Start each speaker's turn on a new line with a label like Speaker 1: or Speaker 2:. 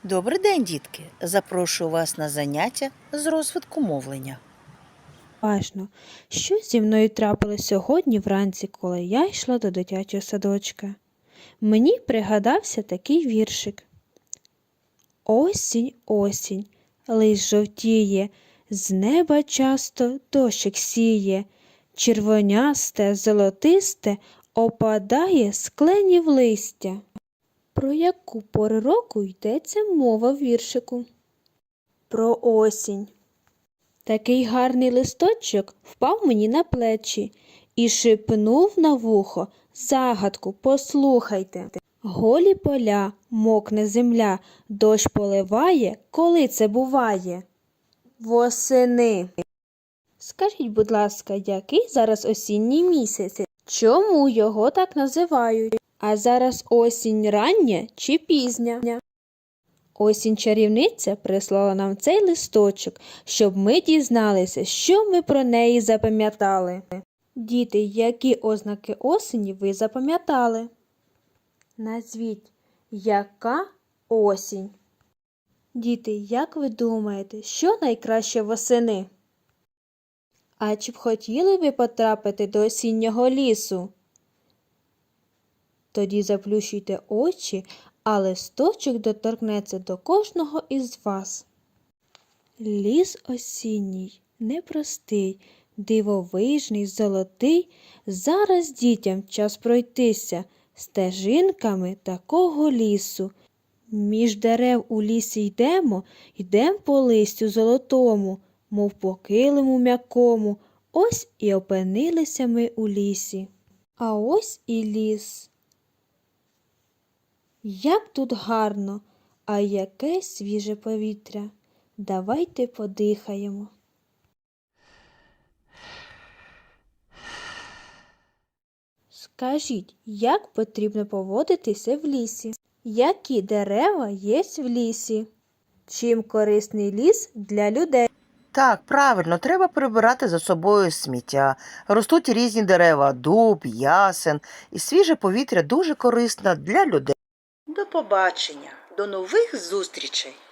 Speaker 1: Добрий день, дітки! Запрошую вас на заняття з розвитку мовлення.
Speaker 2: Важно, що зі мною трапилось сьогодні вранці, коли я йшла до дитячого садочка. Мені пригадався такий віршик. Осінь, осінь, лист жовтіє, з неба часто дощик сіє, червонясте, золотисте опадає з кленів листя. Про яку пору року йдеться мова в віршику? Про осінь. Такий гарний листочок впав мені на плечі і шепнув на вухо загадку, послухайте. Голі поля, мокне земля, дощ поливає, коли це буває? Восени. Скажіть, будь ласка, який зараз осінній місяць? Чому його так називають? А зараз осінь рання чи пізня? Осінь-чарівниця прислала нам цей листочок, щоб ми дізналися, що ми про неї запам'ятали. Діти, які ознаки осені ви запам'ятали? Назвіть, яка осінь? Діти, як ви думаєте, що найкраще восени? А чи б хотіли ви потрапити до осіннього лісу? Тоді заплющуйте очі, а листочок доторкнеться до кожного із вас. Ліс осінній, непростий, дивовижний, золотий, зараз дітям час пройтися стежинками такого лісу. Між дерев у лісі йдем по листю золотому, мов по килиму м'якому, ось і опинилися ми у лісі. А ось і ліс. Як тут гарно, а яке свіже повітря. Давайте подихаємо. Скажіть, як потрібно поводитися в лісі? Які дерева є в лісі? Чим корисний ліс для людей?
Speaker 1: Так, правильно, треба прибирати за собою сміття. Ростуть різні дерева – дуб, ясен. І свіже повітря дуже корисно для людей. До побачення, до нових зустрічей!